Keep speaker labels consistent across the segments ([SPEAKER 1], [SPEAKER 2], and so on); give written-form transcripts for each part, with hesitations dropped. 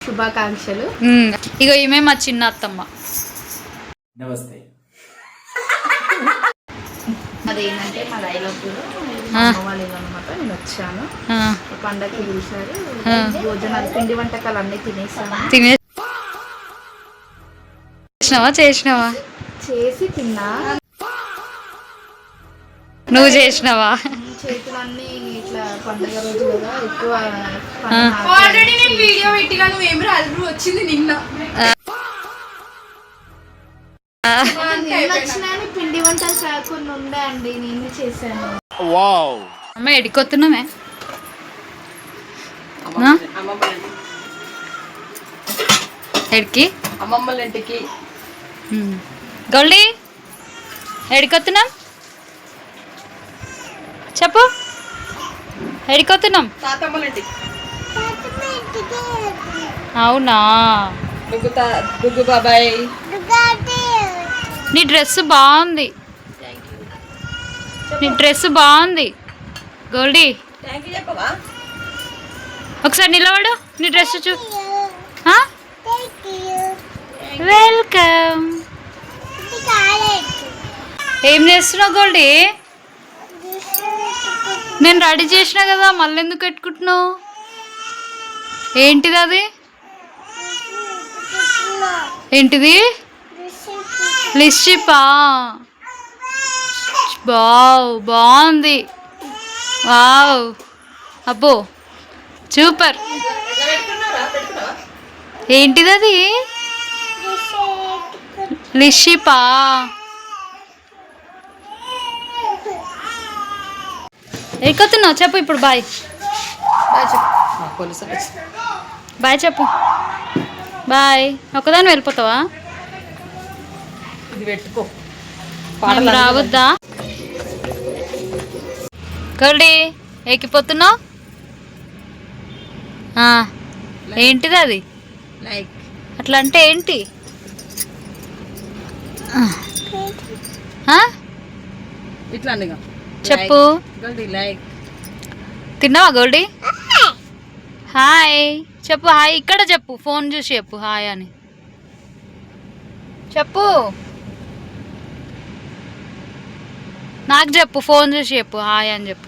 [SPEAKER 1] శుభాకాంక్షలు.
[SPEAKER 2] ఇగో ఈమె మా చిన్న అత్తమ్మ.
[SPEAKER 3] నమస్తే.
[SPEAKER 1] అదేంటంటే మా డైలాగ్లో అమ్మ వాళ్ళ ఇల్లు అనమాట. నేను వచ్చాను, పండగకి పిలిచారు. భోజనాలు పిండి వంటకాలు అన్నీ
[SPEAKER 2] చేసినావా?
[SPEAKER 1] చేసి తిన్నా.
[SPEAKER 2] నువ్వు చేసినావా?
[SPEAKER 1] చేతులన్నీ ఇట్లా పండగ రోజు కదా ఎక్కువ.
[SPEAKER 4] ఆల్రెడీ నేను వీడియో పెట్టినా, నువ్వేమి రాదు వచ్చింది నిన్న.
[SPEAKER 1] వచ్చినాయని పిండి వంటలు కాకుండా ఉండే అండి, నేను చేశాను.
[SPEAKER 2] అమ్మ ఎడికొస్తున్నామే ఎడికి
[SPEAKER 4] అమ్మమ్మల ఇంటికి.
[SPEAKER 2] గౌల్డీ ఎడికొస్తున్నాం చెప్పు. ఎడికొస్తున్నాం?
[SPEAKER 4] తాతమ్మల ఇంటికి.
[SPEAKER 2] అవునా?
[SPEAKER 4] డుగ్గు బాబాయ్,
[SPEAKER 2] నీ డ్రెస్ బాగుంది. నీ డ్రెస్ బాగుంది గోల్డీ. ఒకసారి నిలబడు, నీ డ్రెస్ చూ. వెల్కమ్. ఏం చేస్తున్నావు గోల్డీ? నేను రెడీ చేసినా కదా, మళ్ళీ ఎందుకు పెట్టుకుంటున్నావు? ఏంటిది అది? ఏంటిది? లిప్స్టిక్. బాగుంది. వావ్, అబ్బో సూపర్. ఏంటిది అది? లిప్స్టిక్. ఎక్కతున్నావు చెప్పు ఇప్పుడు. బాయ్ బాయ్ చెప్పు. బాయ్. ఒకదాని వెళ్ళిపోతావా?
[SPEAKER 4] ఇది పెట్టుకో.
[SPEAKER 2] రావద్దా? గోల్డీ ఎక్కిపోతున్నావు? ఏంటిది అది?
[SPEAKER 4] లైక్
[SPEAKER 2] అట్లా అంటే ఏంటి?
[SPEAKER 4] ఇట్లా
[SPEAKER 2] చెప్పు.
[SPEAKER 4] లైక్
[SPEAKER 2] తిన్నావా గోల్డీ? హాయ్ చెప్పు. హాయ్ ఇక్కడ చెప్పు, ఫోన్ చూసి చెప్పు హాయ్ అని చెప్పు. నాకు చెప్పు, ఫోన్ చూసి చెప్పు హాయ్ అని చెప్పు.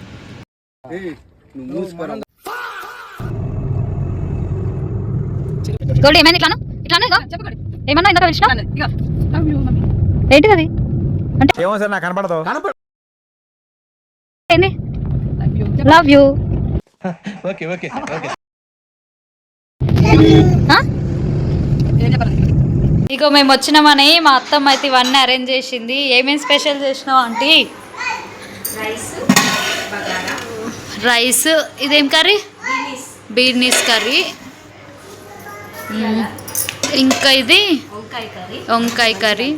[SPEAKER 2] గోల్డీ ఏమైంది? ఇట్లాను ఇట్లాను ఏమన్నా ఇందాక పిలిచినా? ఏంటిది అది? అంటే
[SPEAKER 3] నాకు కనపడదు.
[SPEAKER 2] ఏంది? Love you.
[SPEAKER 3] Okay okay okay.
[SPEAKER 2] ఇగో మేము వచ్చినామని మా అత్తమ్మ అయితే ఇవన్నీ అరేంజ్ చేసింది. ఏమేమి స్పెషల్ చేసినావు ఆంటీ? రైస్. ఇదేం కర్రీ? బీర్నీస్ కర్రీ. ఇంకా ఇది వంకాయ కర్రీ.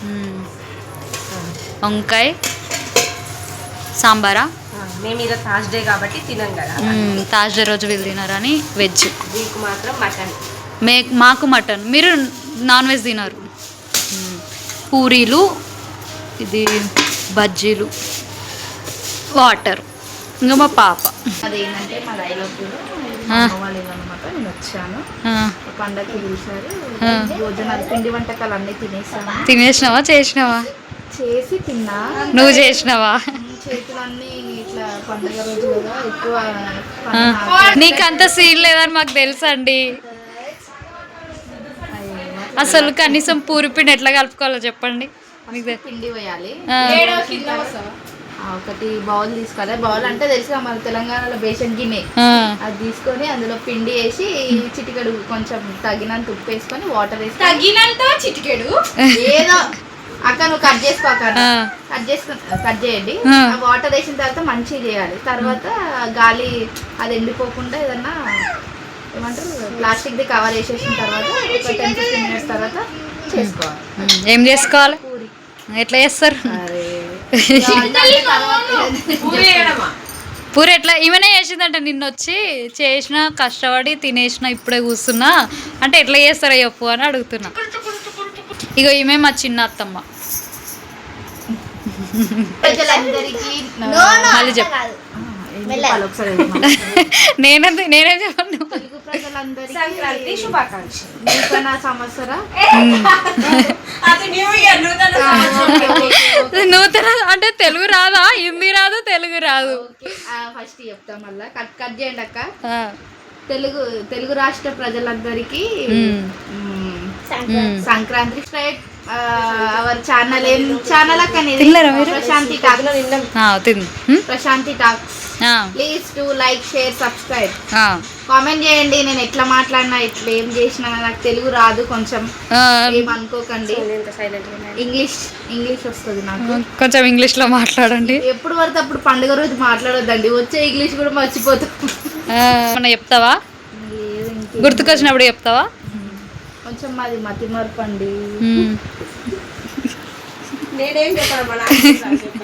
[SPEAKER 2] వంకాయ సాంబారా?
[SPEAKER 4] మేము ఈరోజు థర్స్డే కాబట్టి తినం కదా.
[SPEAKER 2] థర్స్డే రోజు వీళ్ళు తినారని వెజ్.
[SPEAKER 4] మీకు మాత్రం మటన్.
[SPEAKER 2] మాకు మటన్. మీరు నాన్ వెజ్ తినరు. పూరీలు, ఇది బజ్జీలు, వాటర్. ఇంకా మా పాప.
[SPEAKER 1] అదేంటంటే మా డైలాగ్లో అమ్మ వాళ్ళ ఇల్లు అనమాట. నేను వచ్చాను, పండగకి పిలిచారు. భోజనాలు పిండి వంటకాలు అన్నీ
[SPEAKER 2] తినేసినావా? చేసినావా?
[SPEAKER 1] చేసి తిన్నా.
[SPEAKER 2] నువ్వు చేసినావా?
[SPEAKER 1] చేతులన్నీ ఇట్లా పండగ రోజు కదా ఎక్కువ.
[SPEAKER 2] నీకంత సీన్ లేదని మాకు తెలుసండి. అసలు కనీసం పూరిపిండి ఎట్లా కలుపుకోవాలో చెప్పండి.
[SPEAKER 1] పిండి వేయాలి. ఒకటి బౌల్ తీసుకోవాలి. బౌల్ అంటే తెలుసు మన తెలంగాణలో బేసన్ గిన్నె. అది తీసుకొని అందులో పిండి వేసి చిటికెడు కొంచెం తగినంత ఉప్పు వేసుకొని వాటర్ వేసి
[SPEAKER 4] తగినంత చిటికెడు
[SPEAKER 1] ఏదో అక్క నువ్వు కట్ చేసుకో. కట్ చేయండి. వాటర్ వేసిన తర్వాత మంచిగా చేయాలి. తర్వాత గాలి అది ఎండిపోకుండా ఏదన్నా ఏమంటారు ప్లాస్టిక్ ది కవర్ వేసేసిన తర్వాత ఒక 10-15 మినిట్స్ తర్వాత చేసుకోవాలి.
[SPEAKER 2] ఏం చేసుకోవాలి? పూరి. ఎట్లా చేస్తారు? పూరి ఎట్లా ఈమెనే చేసిందంట. నిన్న వచ్చి చేసిన, కష్టపడి తినేసిన, ఇప్పుడే కూర్చున్నా అంటే ఎట్లా చేస్తారో చెప్పు అని అడుగుతున్నా. ఇగో ఈమె మా చిన్న అత్తమ్మ.
[SPEAKER 1] ప్రజలందరికీ
[SPEAKER 2] మళ్ళీ చెప్పు.
[SPEAKER 1] చెప్పాలి ఒకసారి చెప్పమా.
[SPEAKER 2] నేనేం చెప్పను.
[SPEAKER 1] తెలుగు ప్రజలందరికీ
[SPEAKER 4] సంక్రాంతి శుభాకాంక్షలు.
[SPEAKER 1] నూతన సంవత్సర
[SPEAKER 2] నూతన అంటే తెలుగు రాదా, హిందీ రాదు, తెలుగు రాదు.
[SPEAKER 1] ఫస్ట్ చెప్తా మళ్ళా కట్ చేయండి అక్క.
[SPEAKER 2] ఆ,
[SPEAKER 1] తెలుగు రాష్ట్ర ప్రజలందరికీ సంక్రాంతి స్ట్రైట్ అవర్ ఛానల్ ఏం ఛానల్ అక్క నీది?
[SPEAKER 2] తిన్నారా మీరు?
[SPEAKER 1] Prashanti talks. Prashanti talks. Please to like share subscribe. Comment చేయండి. నేను ఎట్లా మాట్లాడినా ఎట్లా ఏం చేసినా నాకు తెలుగు రాదు, కొంచెం ఏమనుకోకండి. ఇంగ్లీష్ వస్తుంది నాకు.
[SPEAKER 2] కొంచెం ఇంగ్లీష్ లో మాట్లాడండి.
[SPEAKER 1] ఎప్పుడు పడితే అప్పుడు పండుగ రోజు మాట్లాడొద్దండి, వచ్చే ఇంగ్లీష్ కూడా మర్చిపోతాం.
[SPEAKER 2] ఏమన్నా చెప్తావా?
[SPEAKER 1] లేదు,
[SPEAKER 2] గుర్తుకొచ్చినప్పుడు చెప్తావా?
[SPEAKER 1] కొంచెం మాది మతి మరపండి.
[SPEAKER 4] నేనేం చెప్పాను